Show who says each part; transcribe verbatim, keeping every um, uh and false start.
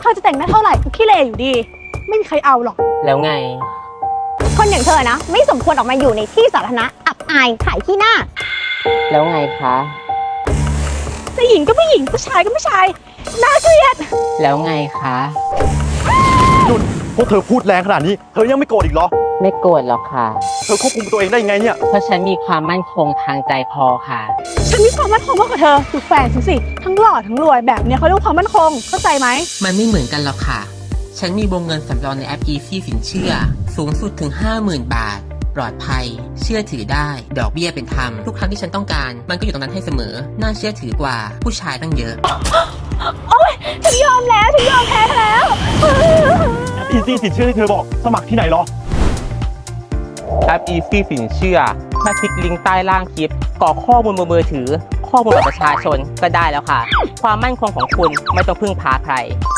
Speaker 1: อจะแต่งหน้าเท่าไหร่ก็ขี้เหร่อยู่ดีไม่มีใครเอาหรอก
Speaker 2: แล้วไง
Speaker 3: คนอย่างเธอนะไม่สมควรออกมาอยู่ในที่สาธารณะอับอายขายขี้หน้า
Speaker 2: แล้วไงคะ
Speaker 1: จะหญิงก็ไม่หญิงผู้ชายก็ผู้ชายน่าเกลียด
Speaker 2: แล้วไงคะ
Speaker 4: นุ่นพวกเธอพูดแรงขนาดนี้เธอยังไม่โกรธอีกเหรอ
Speaker 2: ไม่โกรธหรอกค่ะ
Speaker 4: เธอควบคุมตัวเองได้ยังไงเนี่ย
Speaker 2: เพราะฉันมีความมั่นคงทางใจพอค่ะ
Speaker 1: ฉันมีความมั่นคงมากกว่าเธอดูแฟนฉันสิทั้งหล่อทั้งรวยแบบเนี้ยเขาเรียกความมั่นคงเข้าใจไหม
Speaker 2: มันไม่เหมือนกันหรอกค่ะฉันมีวงเงินสำรองในแอป Easy สินเชื่อสูงสุดถึง ห้าหมื่น บาทปลอดภัยเชื่อถือได้ดอกเบี้ยเป็นธรรมทุกครั้งที่ฉันต้องการมันก็อยู่ตรงนั้นให้เสมอน่าเชื่อถือกว่าผู้ชายตั้งเยอะ
Speaker 1: โอ๊ยฉันยอมแล้วฉันยอมแพ้แล้ว
Speaker 4: แอป Easy สินเชื่อที่เธอบอกสมัครที่ไหนหรอ
Speaker 2: แอป Easy สินเชื่อถ้าคลิกลิงก์ใต้ล่างคลิปกรอกข้อมูลบนมือถือข้อมูลบัตรประชาชนก็ได้แล้วค่ะความมั่นคงของคุณไม่ต้องพึ่งพาใคร